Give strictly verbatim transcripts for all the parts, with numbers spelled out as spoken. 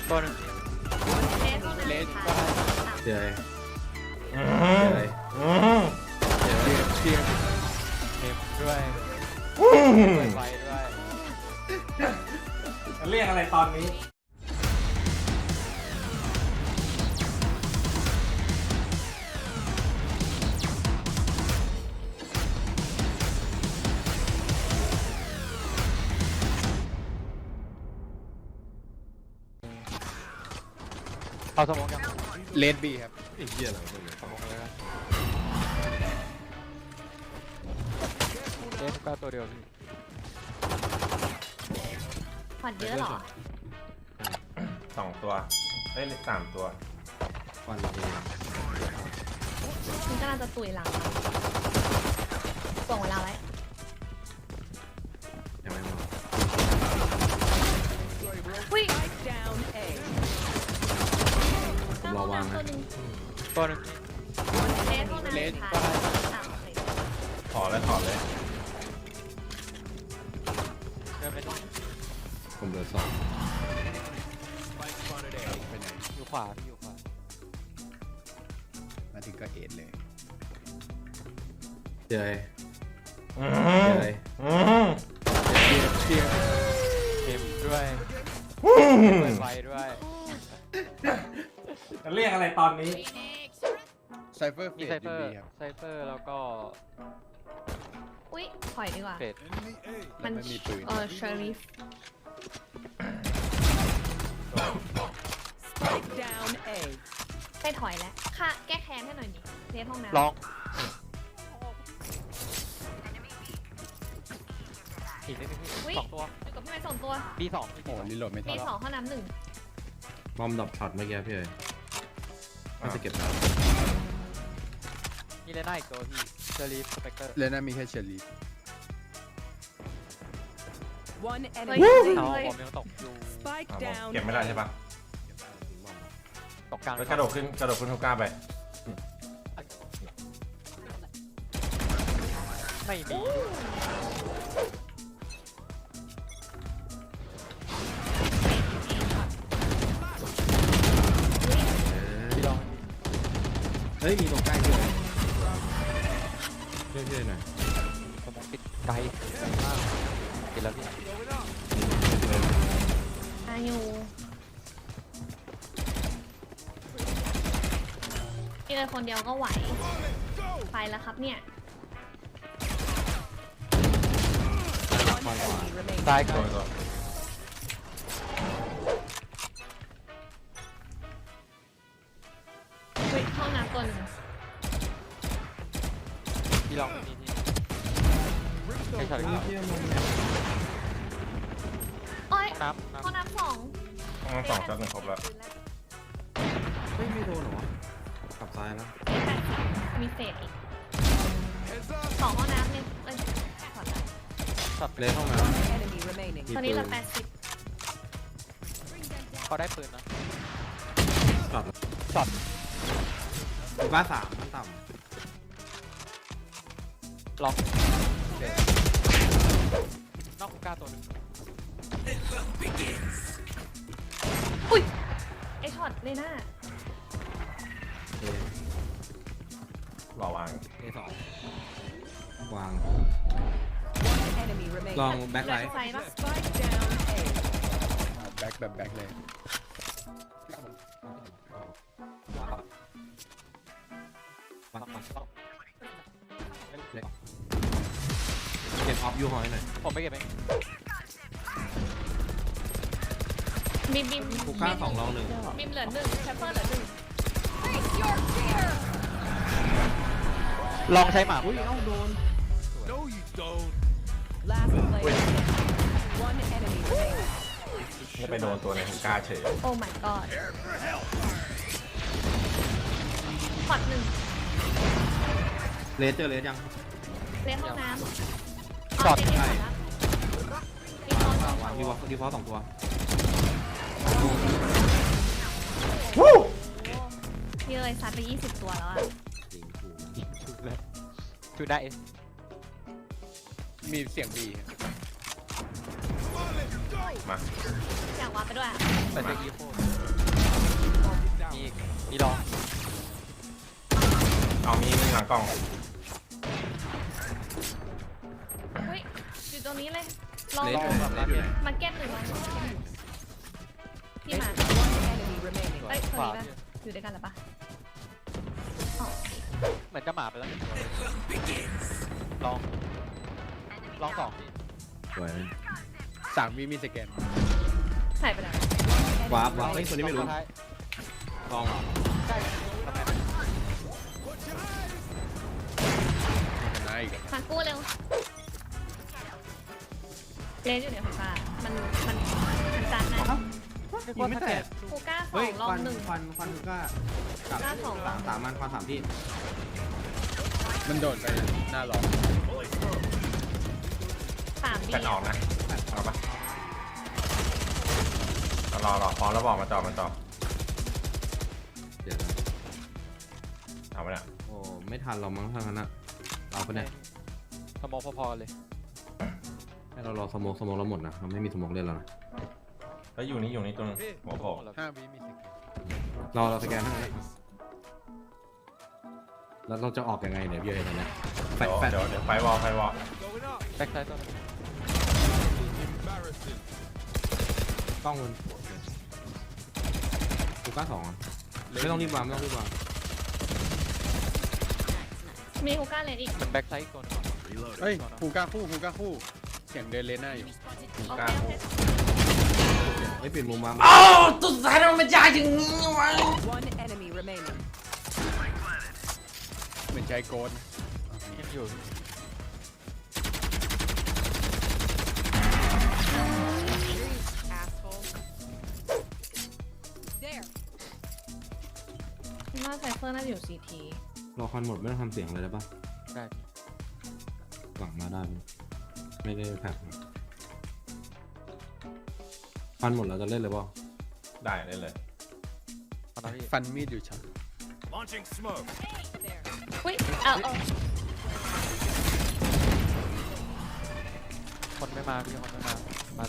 ตัวหนึ่งเลสเจอเจอเจอเทียมเทมด้วยไฟด้วยเรียกอะไรตอนนี้เอาสมองยังเลดบีครับไอ้เหี้ยอะไรพวกนี้สมองเลยนะเลสก็ตัวเดียวพี่ผ่อนเยอะหรอสองตัวเอ้ยสามตัววันละเองคุณกำลังจะตุยหลังส่งเวลาไว้ยังไม่มาอุ้ยผมรอวางนะตัวหนึ่งเลสเท่านั้นเลสค่ะก็ได้ถอดเลยถอดเลยเริ่มเลยผมเหลือสองอยู่ขวาพี่อยู่ขวามาถึงก็เอ็ดเลยเจอเจอเทียมเทียมด้วยไฟด้วยเรียกอะไรตอนนี้ไซเฟอร์มีไซเฟอร์ไซเฟอร์แล้วก็อุ้ยถอยดีกว่าเฟดมันมีปืนเออเชอริฟไปถอยแล้วค่ะแก้แค้นให้หน่อยดิเลสห้องน้ำลองอีกนิดนึงพี่สองตัวอยู่กับพี่ไม้สองตัวบีสองโอ้รีโหลดไม่ทันบีสองห้องน้ำหนึ่งบอมดับช็อตเมื่อกี้พี่เอ๋น่าจะเก็บแล้วมีเลน่าอีกตัวพี่เชอรี่สเปกเตอร์เลน่ามีแค่เชอรี่เอาผมยังตกอยู่เก็บไม่ได้ใช่ปะตกกลางกระโดดขึ้นกระโดดขึ้นทุกก้าไปไม่มีพี่ลองเฮ้ยมีตรงใกล้ด้วยช่วยช่วยหน่อยสมองปิดไกลมากปิดแล้วพี่อายุพี่เลยคนเดียวก็ไหวไปแล้วครับเนี่ยตายก่อนเฮ้ยห้องน้ำตัวหนึ่งพี่ลองนี่ที่ใช้ช็อตครับโอ้ยน้ำห้องน้ำสองห้องสองจัดหนึ่งครบแล้วเฮ้ยไม่โดนหรอ กลับซ้ายแล้วมีเศษอีกสองห้องน้ำเนี่ยเอ้ยขอดละช็อตเลยห้องน้ำตอนนี้เราแปดสิบเขาได้ปืนนะช็อตช็อตบ้าสามมันต่ำล็อกนอกคุกก้าตัวนึงอุ้ยไอช็อตเลยน่ารอวางเอสองวางลองแบ็คไลท์แบ็คแบบแบ็คเลยเก็บออฟยูฮอยหน่อยผมไม่เก็บเองบิมบิมคุกก้าสองลองหนึ่งบิมเหลือหนึ่งแชปเปอร์เหลือหนึ่งลองใช้หมาอุ้ยเอ้าโดนจะไปโดนตัวในทุกก้าเฉยโอ้ my god พอดหนึ่งเลสเจอเลสยังเลสห้องน้ำช็อตใช่วางดีวอลดีวอลสองตัวพี่เลยซัดไปยี่สิบตัวแล้วอ่ะชูได้มีเสียงบีมาอยากวาไปด้วยอ่ะแต่เจออีโฟมีอีกมีรองเอามีมีหลังกล้องอุ้ยอยู่ตรงนี้เลยลองเลสอยู่ไหนเลสอยู่ไหนมาเก็ตหนึ่งวันพี่มา Enemy remaining. เอ้ยคนขวานี้ปะอยู่ด้วยกันหรือปะอ๋อเหมือนจะหมาไปแล้วหนึ่งตัวเลยลองลองสองพี่สวยสามวิมีสแกนหายไปแล้ววาร์ปวาร์ปเฮ้ยตัวนี้ไม่รู้ตัวท้ายลองเหรอใช่ทำไมชนะอีกอะมากู้เร็วเลสอยู่ในไฟฟ้ามันมันมันจานไหนยิงไม่แตกกูกล้าสอเฮ้ยงลอคงวันหนึ่งควันควันก็กลับกล้าสองลองสามมันควันสามที่มันโดดไปหน้าหลอกสามบีแฟนออกนะเอาปะรอรอพร้อมแล้วบอกมาจอมาจอเดี๋ยวนะเอาไปเนี่ยโอ้ไม่ทันเรามั้งทั้งนั้นอะเราปะเนี่ยสมองพอๆเลยให้เรารอสโมกสโมกเราหมดนะเราไม่มีสโมกเล่นแล้วนะแล้วอยู่นี่อยู่นี่ตัวนึงหัวโผล่ห้าวิมีสแกนรอเราสแกนให้แล้วเราจะออกยังไงเนี่ยพี่เอ๋ตอนเนี้ยแฟเดี๋ดยวแฟดเดี๋ยวเดี๋ยวไฟวอลไฟวอลแบ็คไซด์ตัวนึงกล้องมันกูกล้าสองอะไม่ต้องรีบวางไม่ต้องรีบวางมีฮูก้าเลนอีกเหมือนแบ็คไซด์อีกตัวนึงเฮ้ยฮูก้าคู่ฮูก้าคู่เสียงเดินเลนหน้าอยู่โอกเคล้าโอโผเคไม่เปลี่ยนมุมวางตุสายมันยากอย่างนี้วะ One enemy remaining. เหมือนใช้โกนยังอยู่ Asshole. There. คิดว่าไซเฟอร์น่าจะอยู่ซีทีรอควันหมดไม่ต้องทำเสียงอะไรได้ปะได้หวังมาได้ไหมไม่ได้แพ็คควันหมดแล้วจะเล่นเลยเปล่าได้ได้เลยตอนนั้นพี่ฟันมีดอยู่ช็อต There. อุ้ยเอาเอาคนไม่มาพี่คนไม่มามา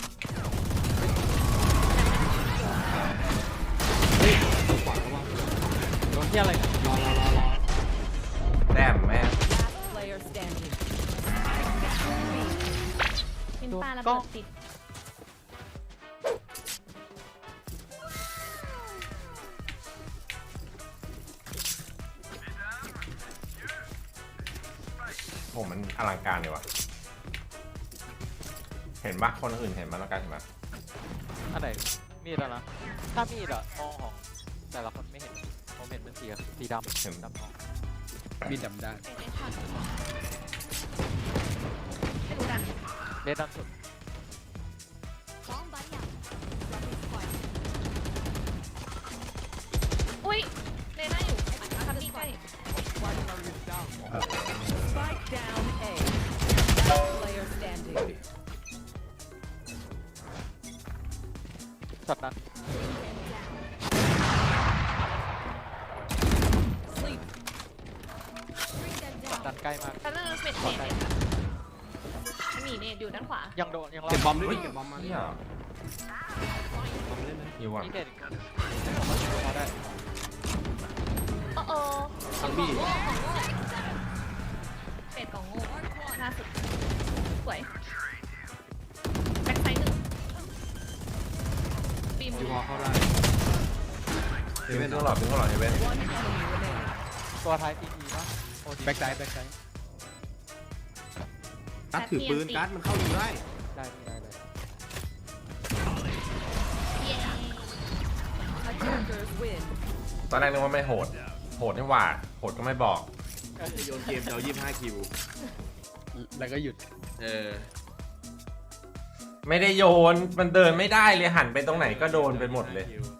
เฮ้ยตัวขวาเขาว่าโดนที่อะไรเนี่ยรอรอรอรอแต้มแม่ Last player standing. เป็นปลาระเบิดติดผมมันอลังการเลยวะเห็นปะคนอื่นเห็นมันแล้วกันเห็นปะอันไหนมีดอะนะถ้ามีดอะมองของแต่ละคนไม่เห็นผมเห็นเป็นสีสีดำเห็นดำทองมีดดำด้านเป็นไอ้ช็อตไม่รู้กันเลดดำสุดอุ้ยเลน่าอยู่คับบี้ใกล้ Spike down A. Last player standing. ช็อตนั้น Sleep. ช็อตนั้นใกล้มากแป๊บนึงเม็ดเน็ตเลยค่ะหมีเน็ตอยู่ด้านขวายังโดนยังรอเก็บบอมด้วยดิเก็บบอมมาเนี่ยบอมเล่นไหมอยู่อ่ะมีเด็ดอีกคนผมว่าพอได้โอ้โอ้ทังบี้โง่ของโง่เป็ดของโง่ล่าสุดสวยแบ็คไซด์หนึ่งบีมยูวอลเข้าได้เฮเว่นต้องหลอดต้องหลอดเฮเว่น One enemy remaining. ตัวท้ายทีทีป่ะโอทีแบ็กไซด์แบ็กไซด์การ์ดถือปืนการ์ดมันเข้าอยู่ได้ได้พี่ได้เลยเย้ Attackers win. ตอนแรกนึกว่าไม่โหด โหดนี่หว่า โหดก็ไม่บอกโยนเกมจะเอายี่สิบห้าคิวแล้วก็หยุดเออไม่ได้โยน มันเดินไม่ได้เลยหันไปตรงไหนก็โดนไปหมดเลยยี่สิบห้าคิว